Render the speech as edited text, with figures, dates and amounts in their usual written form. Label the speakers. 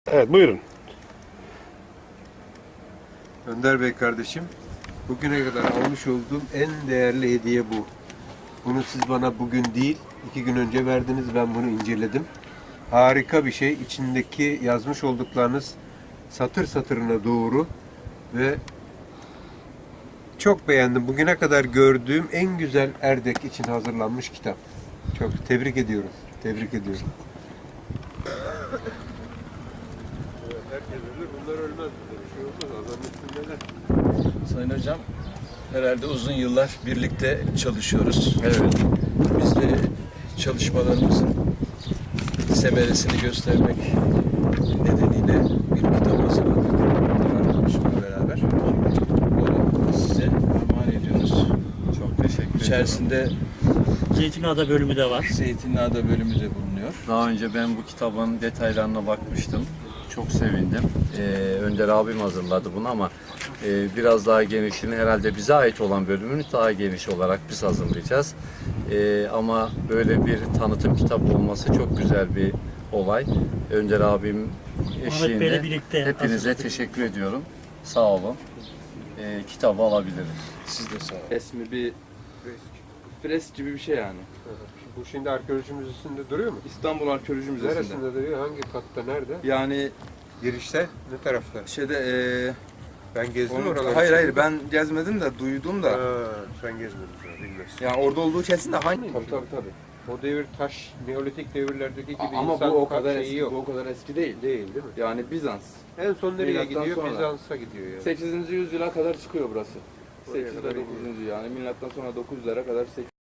Speaker 1: Evet, buyurun.
Speaker 2: Önder Bey kardeşim, bugüne kadar almış olduğum en değerli hediye bu. Bunu siz bana bugün değil, 2 gün önce verdiniz. Ben bunu inceledim. Harika bir şey. İçindeki yazmış olduklarınız satır satırına doğru ve çok beğendim. Bugüne kadar gördüğüm en güzel Erdek için hazırlanmış kitap. Çok tebrik ediyorum. Tebrik ediyorum. Herkes ölür, bunlar ölmez. Bir şey olmaz. Adamın üstündeler.
Speaker 3: Sayın Hocam, herhalde uzun yıllar birlikte çalışıyoruz.
Speaker 2: Evet.
Speaker 3: Biz de çalışmalarımızın semeresini göstermek nedeniyle bir kitap hazırladık. Arkadaşımla beraber. Onu size armağan ediyoruz.
Speaker 4: Çok teşekkür ederim.
Speaker 3: İçerisinde
Speaker 5: Zeytinada bölümü de var.
Speaker 3: Zeytinliada bölümü de bulunuyor.
Speaker 4: Daha önce ben bu kitabın detaylarına bakmıştım. Çok sevindim. Önder abim hazırladı bunu ama biraz daha genişini herhalde bize ait olan bölümünü daha geniş olarak biz hazırlayacağız. Ama böyle bir tanıtım kitabı olması çok güzel bir olay. Önder abim
Speaker 5: Bey'le
Speaker 4: eşliğinde
Speaker 5: birlikte
Speaker 4: hepinize
Speaker 5: hazırladık.
Speaker 4: teşekkür ediyorum. Sağ olun. Kitabı alabiliriz.
Speaker 3: Siz de sağ olun.
Speaker 6: Resmi bir fresk gibi bir şey yani.
Speaker 2: Bu şimdi arkeoloji müzesinde duruyor mu?
Speaker 6: İstanbul Arkeoloji Müzesi'nde.
Speaker 2: Neresinde duruyor? Hangi katta? Nerede?
Speaker 6: Yani
Speaker 2: Girişte? Ne tarafta? Ben gezdim
Speaker 6: onu,
Speaker 2: oraları.
Speaker 6: hayır ben gezmedim de duydum da.
Speaker 2: Ha, sen gezmedin. Bilmiyorsun.
Speaker 6: Yani orada olduğu kesin de hangi?
Speaker 2: Tabii. O devir taş, Neolitik devirlerdeki gibi
Speaker 6: Ama
Speaker 2: insan
Speaker 6: bu o kadar
Speaker 2: şeyi
Speaker 6: eski,
Speaker 2: yok.
Speaker 6: bu o kadar eski değil.
Speaker 2: Değil mi?
Speaker 6: Yani Bizans.
Speaker 2: En son nereye
Speaker 6: Milattan
Speaker 2: gidiyor?
Speaker 6: sonra.
Speaker 2: Bizans'a gidiyor yani.
Speaker 6: 8. yüzyıla kadar çıkıyor burası.
Speaker 2: Oraya
Speaker 6: 8
Speaker 2: kadar
Speaker 6: ile 9. yani milattan sonra 900'lere kadar